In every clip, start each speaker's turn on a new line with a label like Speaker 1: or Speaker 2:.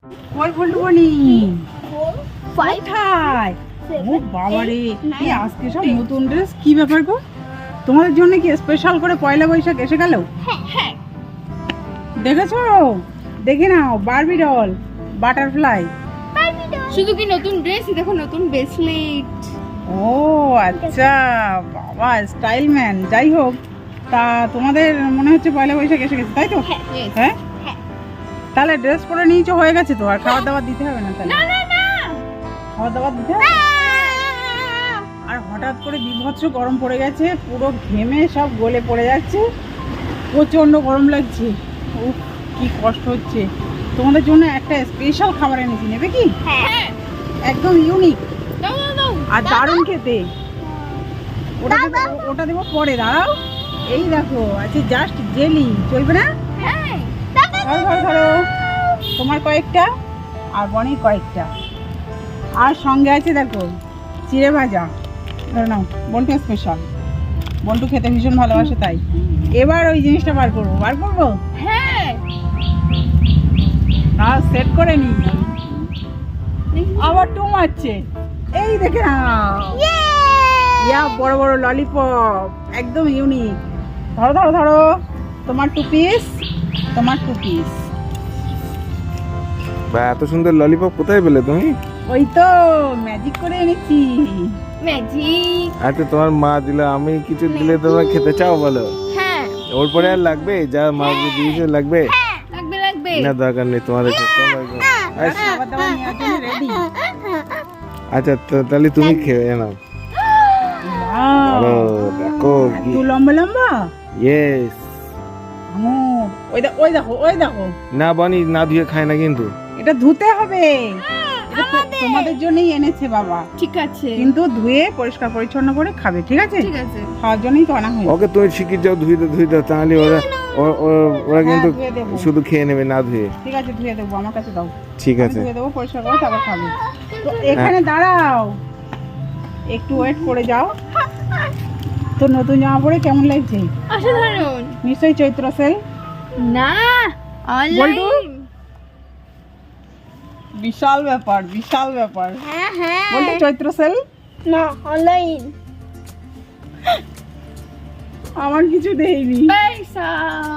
Speaker 1: কই বলবনি কোথায়? ও বাবা রে, এই আজকে সব নতুন ড্রেস, কি ব্যাপার গো? তোমাদের জন্য কি স্পেশাল করে পয়লা বৈশাখ এসে গেল?
Speaker 2: হ্যাঁ।
Speaker 1: দেখেছো? দেখে নাও, বারবি ডল, বাটারফ্লাই।
Speaker 2: শুধু কি নতুন ড্রেস, দেখো নতুন ব্রেসলেট।
Speaker 1: ও আচ্ছা, বাবা স্টাইল ম্যান। যাই হোক, তা তোমাদের মনে হচ্ছে পয়লা বৈশাখ এসে গেছে, তাই তো? হ্যাঁ, তাহলে ড্রেস পরে নিয়েছো, হয়ে গেছে তো, আর খাবার দাবার দিতে হবে না? তাহলে খাবার দাবার দিতে হবে। আর হঠাৎ করে বিভৎস গরম পড়ে গেছে, পুরো ঘেমে সব গলে পড়ে যাচ্ছে, প্রচন্ড গরম লাগছে। উফ, কি কষ্ট হচ্ছে। তোমাদের জন্য একটা স্পেশাল খাবার এনেছি, নেবে কি?
Speaker 2: হ্যাঁ,
Speaker 1: একদম ইউনিক
Speaker 2: দাও।
Speaker 1: আর দারুণ খেতে। ওটা দেবো পরে, দাঁড়াও। এই দেখো আছে জাস্ট জেলি, চলবে না?
Speaker 2: হ্যাঁ,
Speaker 1: ধরো তোমার কয়েকটা আর বনির কয়েকটা, আর সঙ্গে আছে দেখো চিড়ে ভাজা। ধরে নাও, বন্টু স্পেশাল, বন্টু খেতে ভীষণ ভালোবাসে, তাই এবার ওই জিনিসটা বার করবো।
Speaker 2: হ্যাঁ,
Speaker 1: তাও সেট করে নি, আবার টু মারছে। এই দেখে নাও, ইয়া বড় বড় ললিপপ, একদম ইউনিক। ধরো তোমার টু পিস।
Speaker 3: বা এত সুন্দর ললিপপ কোথায় পেলে তুমি?
Speaker 1: ওই তো ম্যাজিক করে এনেছি।
Speaker 2: ম্যাজিক।
Speaker 3: আচ্ছা, তোমার মা দিলে, আমি কিছু দিলে তোমরা খেতে চাও বলো?
Speaker 2: হ্যাঁ,
Speaker 3: ওর পরে আর লাগবে? যা মা দিয়েছে লাগবে?
Speaker 2: লাগবে।
Speaker 3: না, দরকার নেই তোমাদের।
Speaker 1: খাবার দাবার নেওয়ার জন্য রেডি।
Speaker 3: আচ্ছা, তাহলে তুমি খেয়ে নাও। আরো দেখো কি
Speaker 1: একটু লম্বা
Speaker 3: ইয়েস।
Speaker 1: ওই দেখো।
Speaker 3: না বনি, না ধুয়ে খায় না কিন্তু।
Speaker 1: এটা ধুতে হবে, এটা তোমাদের জন্যই এনেছে বাবা।
Speaker 2: ঠিক আছে,
Speaker 1: কিন্তু ধুয়ে পরিষ্কার পরিচ্ছন্ন করে খাবে, ঠিক আছে? খাওয়ার জন্যই তো আনা হয়েছে।
Speaker 3: ওকে তুমি শিখিয়ে যাও, ধুই দাও, তাহলে ওরা কিন্তু
Speaker 1: ধুয়ে দেবো।
Speaker 3: শুধু খেয়ে নেবে না ধুয়ে।
Speaker 1: ঠিক আছে, ধুয়ে দেবো, আমার কাছে দাও।
Speaker 3: ঠিক
Speaker 1: আমি
Speaker 3: আছে,
Speaker 1: ধুয়ে দেবো, পরিষ্কার করে তারপর খাবে। তো এখানে দাঁড়াও, একটু ওয়েট করে যাও। তো নতুন জামা পরে কেমন লাগছে?
Speaker 2: অসাধারণ।
Speaker 1: নিশ্চয়ই চৈত্র সেল
Speaker 2: না, অনলাইন।
Speaker 1: বিশাল ব্যাপার।
Speaker 2: হ্যাঁ,
Speaker 1: বলতে চৈত্র সেল
Speaker 2: না, অনলাইন।
Speaker 1: আমার কিছু দেয়নি,
Speaker 2: পয়সা।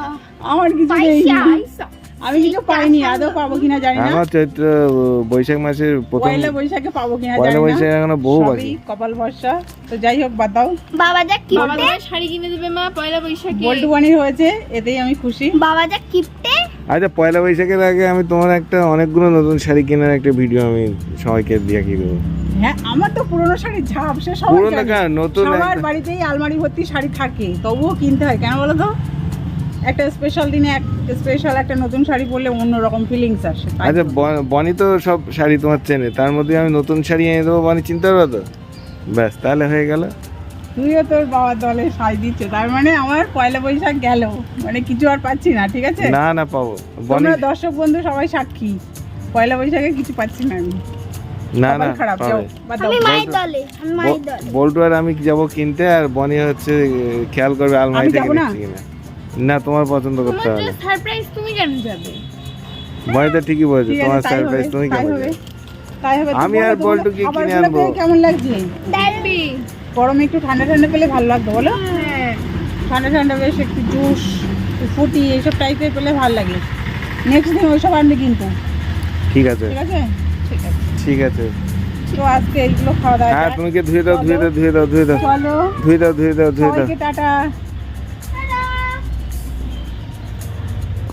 Speaker 1: আমি কিছু পাইনি, আদৌ পাবো কিনা জানি না।
Speaker 3: আমার চৈত্র বৈশাখ মাসের প্রথম
Speaker 1: পয়লা বৈশাখে পাবো কিনা
Speaker 3: পয়লা
Speaker 1: জানি
Speaker 3: বৈশাখ
Speaker 1: না,
Speaker 3: এখনো বহু
Speaker 1: সবই
Speaker 3: বাকি।
Speaker 1: কপাল ভরসা। তো যাই হোক, বাদ দাও।
Speaker 2: বাবা শাড়ি কিনে দেবে মা পয়লা বৈশাখে।
Speaker 1: বল্টু বানির হয়েছে, এতেই আমি খুশি।
Speaker 2: বাবা যা কিপটে।
Speaker 3: আচ্ছা, পয়লা বৈশাখের আগে আমি তোমার একটা অনেকগুলো নতুন শাড়ি কেনার একটা ভিডিও আমি সবাইকে দিয়ে কি দেবো।
Speaker 1: হ্যাঁ, আমার তো পুরনো শাড়ি ঝাপ, সে সবাই
Speaker 3: পুরনো
Speaker 1: জানে।
Speaker 3: কেন, নতুন
Speaker 1: সবার
Speaker 3: একটা-
Speaker 1: বাড়িতেই আলমারি ভর্তি শাড়ি থাকে, তবুও কিনতে হয় কেন বলো তো? একটা স্পেশাল দিনে স্পেশাল একটা নতুন শাড়ি পরলে অন্যরকম ফিলিংস আসে, তাই
Speaker 3: আচ্ছা,
Speaker 1: তো।
Speaker 3: বনি তো সব শাড়ি তোমার চেনে, তার মধ্যে আমি নতুন শাড়ি এনে দেবো, বনি চিনতে পারবে তো? ব্যাস, তাহলে হয়ে গেল।
Speaker 1: তুইও তোর বাবার দলে সাজ দিচ্ছে, তার মানে আমার পয়লা বৈশাখ গেল, মানে কিছু আর পাচ্ছি না, ঠিক আছে?
Speaker 3: না পাবো বনি।
Speaker 1: তোমরা দর্শক বন্ধু সবাই সাক্ষী, পয়লা বৈশাখে কিছু পাচ্ছি না আমি।
Speaker 3: না
Speaker 1: কপাল খারাপ, যাও,
Speaker 3: পাবে।
Speaker 1: বাদ দাও।
Speaker 3: বল্টু আর আমি যাবো কিনতে, আর বনি হচ্ছে খেয়াল করবে আলমারি
Speaker 1: আমি
Speaker 3: থেকে
Speaker 1: যাবো না?
Speaker 3: দেখছি কিনা। না, তোমার পছন্দ করতে
Speaker 2: তোমার
Speaker 3: হবে।
Speaker 2: তো সারপ্রাইজ, তুমি কেন যাবে?
Speaker 3: বনি তো ঠিকই বলছো,
Speaker 1: ঠিক আছে,
Speaker 3: তোমার
Speaker 1: তাই
Speaker 3: সারপ্রাইজ
Speaker 1: হবে,
Speaker 3: তুমি
Speaker 1: তাই
Speaker 3: কেমন
Speaker 1: হবে, তাই হবে।
Speaker 3: আমি
Speaker 1: তো
Speaker 3: আর
Speaker 1: বলো,
Speaker 3: বল্টু
Speaker 1: তোমাদের
Speaker 3: কি কিনে
Speaker 1: খাবারগুলো
Speaker 3: আনবো?
Speaker 1: পেয়ে কেমন লাগছে?
Speaker 2: দেখবি।
Speaker 1: গরমে একটু ঠান্ডা ঠান্ডা পেলে ভালো লাগতো, বলো?
Speaker 2: হ্যাঁ,
Speaker 1: ঠান্ডা বেশ একটু জুস, ফুটি এইসব টাইপের পেলে ভালো লাগে। নেক্সট দিন ওইসব আনবে কিন্তু,
Speaker 3: ঠিক আছে,
Speaker 1: ঠিক আছে?
Speaker 3: ঠিক আছে।
Speaker 1: তো আজকে এইগুলো খাওয়া দাওয়া।
Speaker 3: হ্যাঁ, তুমি কি ধুয়ে দাও।
Speaker 1: চলো,
Speaker 3: ধুয়ে দাও।
Speaker 1: সবাইকে টাটা।